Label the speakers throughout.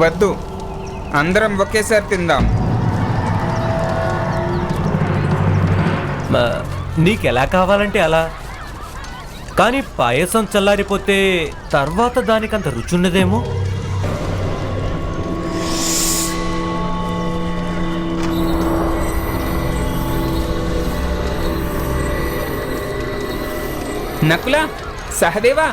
Speaker 1: వద్దు, అందరం ఒకేసారి తిందాం.
Speaker 2: నీకెలా కావాలంటే అలా. కానీ పాయసం చల్లారిపోతే తర్వాత దానికంత రుచున్నదేమో.
Speaker 1: నకుల, సహదేవా,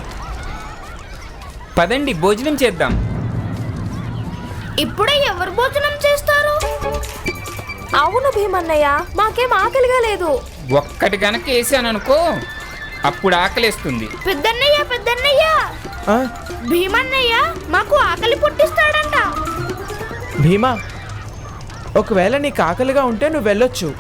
Speaker 1: పదండి భోజనం చేద్దాం.
Speaker 3: ఇప్పుడే ఎవరు భోజనం చేస్తారు?
Speaker 4: అవును భీమన్నయ్య, మాకేం ఆకలిగా లేదు.
Speaker 1: ఒక్కటి గనక వేసాననుకో అప్పుడు ఆకలేస్తుంది.
Speaker 3: పెద్దన్నయ్య, భీమన్నయ్య మాకు ఆకలి పుట్టిస్తాడంట.
Speaker 5: భీమా, ఒకవేళ నీకు ఆకలిగా ఉంటే నువ్వు వెళ్ళొచ్చు.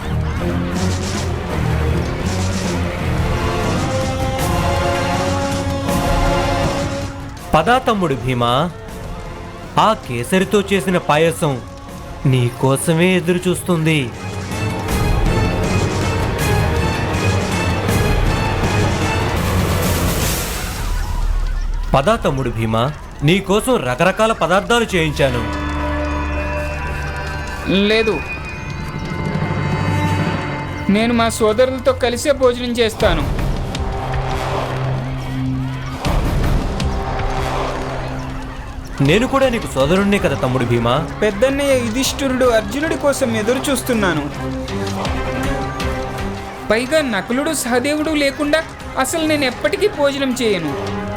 Speaker 2: పదా తమ్ముడు భీమా, ఆ కేసరితో చేసిన పాయసం నీకోసమే ఎదురు చూస్తుంది. పదా తమ్ముడు భీమా, నీకోసం రకరకాల పదార్థాలు చేయించాను.
Speaker 1: లేదు, నేను మా సోదరులతో కలిసే భోజనం చేస్తాను.
Speaker 2: నేను కూడా నీకు సోదరుణ్ణే కదా తమ్ముడు భీమా.
Speaker 1: పెద్దన్నయ్య యుధిష్ఠిరుడు అర్జునుడి కోసం ఎదురు చూస్తున్నాను. పైగా నకులుడు సహదేవుడు లేకుండా అసలు నేను ఎప్పటికీ భోజనం చేయను.